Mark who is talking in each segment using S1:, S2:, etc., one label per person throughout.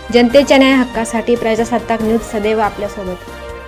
S1: जनतेच्या न्याय हक्कासाठी प्रजासत्ताक न्यूज सदैव आपल्यासोबत।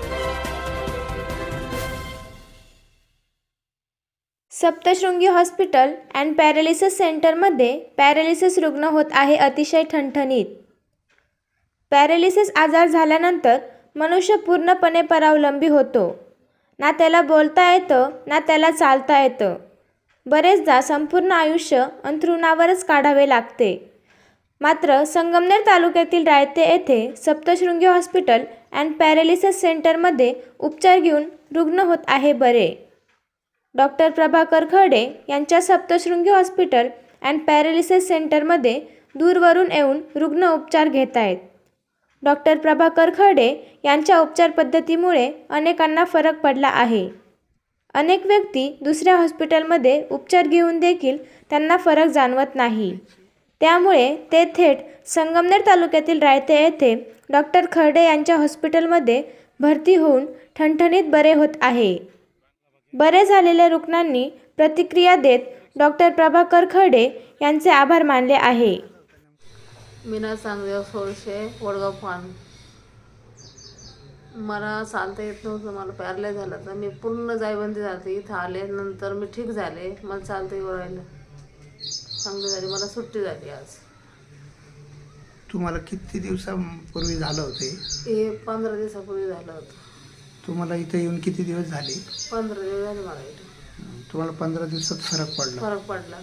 S1: सप्तशृंगी हॉस्पिटल अँड पॅरालिसिस सेंटरमध्ये पॅरालिसिस रुग्ण होत आहे अतिशय ठणठणीत। पॅरालिसिस आजार झाल्यानंतर मनुष्य पूर्णपणे परावलंबी होतो। ना त्याला बोलता येतं ना त्याला चालता येतं। बरेचदा संपूर्ण आयुष्य अंथरुणावरच काढावे लागते। मात्र संगमनेर तालुक्यातील रायते येथे सप्तशृंगी हॉस्पिटल अँड पॅरालिसिस सेंटरमध्ये उपचार घेऊन रुग्ण होत आहे बरे। डॉक्टर प्रभाकर खर्डे यांच्या सप्तशृंगी हॉस्पिटल अँड पॅरालिसिस सेंटरमध्ये दूरवरून येऊन रुग्ण उपचार घेत आहेत। डॉक्टर प्रभाकर खर्डे यांच्या उपचार पद्धतीमुळे अनेकांना फरक पडला आहे। अनेक व्यक्ती दुसऱ्या हॉस्पिटलमध्ये उपचार घेऊन देखील त्यांना फरक जाणवत नाही। त्यामुळे ते थेट संगमनेर तालुक्यातील रायते येथे डॉक्टर खर्डे यांच्या हॉस्पिटलमध्ये भरती होऊन ठणठणीत बरे होत आहे। बरे झालेल्या रुग्णांनी प्रतिक्रिया देत डॉक्टर प्रभाकर खर्डे यांचे आभार मानले आहे।
S2: मीना चांगदेव सोळशे वडगाव फान। मला चालता येत नव्हतं, मला पॅरलाइज झालं तर मी पूर्ण जायबंदी झाली। इथं आले नंतर मी ठीक झाले, मला चालता येऊ राहिलं, चांगली झाली, मला सुट्टी झाली आज।
S3: तुम्हाला किती दिवसापूर्वी झालं होते?
S2: हे 15 दिवसापूर्वी झालं होतं।
S3: तुम्हाला इथे येऊन किती दिवस झाले?
S2: 15 दिवस झाले मला इथे।
S3: तुम्हाला 15 दिवसात फरक
S2: पडला।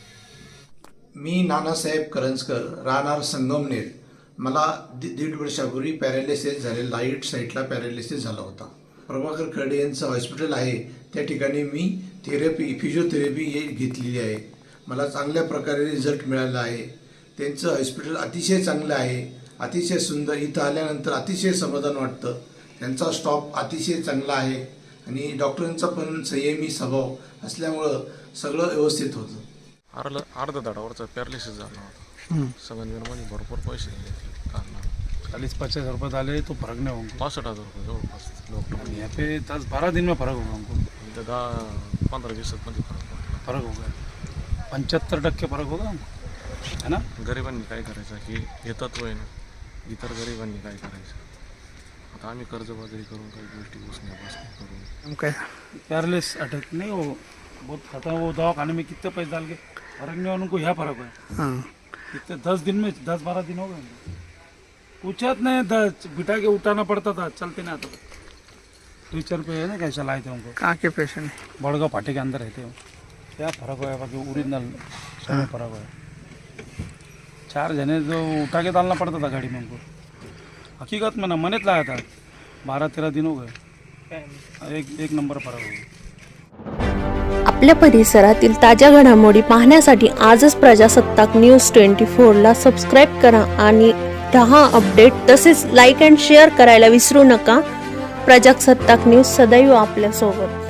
S4: मी नानासाहेब करंजकर, राहणार संगमनेर। मला दीड वर्षापूर्वी पॅरालिसिस झाले, राईट साईडला पॅरालिसिस झाला होता। प्रभाकर खर्डे यांचं हॉस्पिटल आहे, त्या ठिकाणी मी फिजिओथेरपी घेतलेली आहे। मला चांगल्या प्रकारे रिझल्ट मिळाला आहे। त्यांचं हॉस्पिटल अतिशय चांगलं आहे, अतिशय सुंदर। इथं आल्यानंतर अतिशय समाधान वाटतं। त्यांचा स्टॉफ अतिशय चांगला आहे आणि डॉक्टरांचा पण संयमी स्वभाव असल्यामुळं सगळं व्यवस्थित होतं।
S5: अर्धा दाडावरचा पॅरालिसिस झाला होता। संगमनेरमध्ये भरपूर पैसे घेतले कारण
S6: 40-50 रुपये डाले तो फर्क नहीं होगा।
S5: 65,000 रुपये जवळपास डॉक्टर
S6: यहाँ पे 10-12 दिन में फर्क होगा हमको।
S5: 10-15 दिवसात मध्ये
S6: फर्क होगा, 75% फर्क होगा हमको, है ना।
S5: गरिबांनी काय करायचं की हे तत्व आहे ना, इतर गरिबांनी काय करायचं। आता आम्ही कर्जबाजारी करून काही गोष्टी बसण्यापासून करून
S3: काय
S6: पैरालिसिस अटैक नहीं हो बहुत खतरा। वो दवाखाने में कितने पैसे डाल के फर्क नहीं, उनको यह फर्क है। कितने 10 दिन में 10-12 दिन हो गए, पूछत नहीं, बिठा के उठाना पड़ता था, चलते नहीं आता था। टीचर पे है ना कैसा लाए थे उनको।
S3: कहाँ के पेशेंट है?
S6: बड़गांव फाटे के अंदर रहते हो। क्या फर्क हुआ है बाकी ओरिजिनल सब फर्क हुआ है। 4 जने जो उठा के डालना पड़ता था गाड़ी में उनको, हकीकत में ना मनेत लाया था। 12-13 दिन हो गए, एक नंबर फरक हो गया।
S7: आपल्या परिसरातील ताज्या घडामोडी पाहण्यासाठी आजच प्रजासत्ताक न्यूज 24 ला सबस्क्राइब करा आणि रहा अपडेट। तसेच लाईक अँड शेअर करायला विसरू नका। प्रजासत्ताक न्यूज सदैव आपल्या सोबत।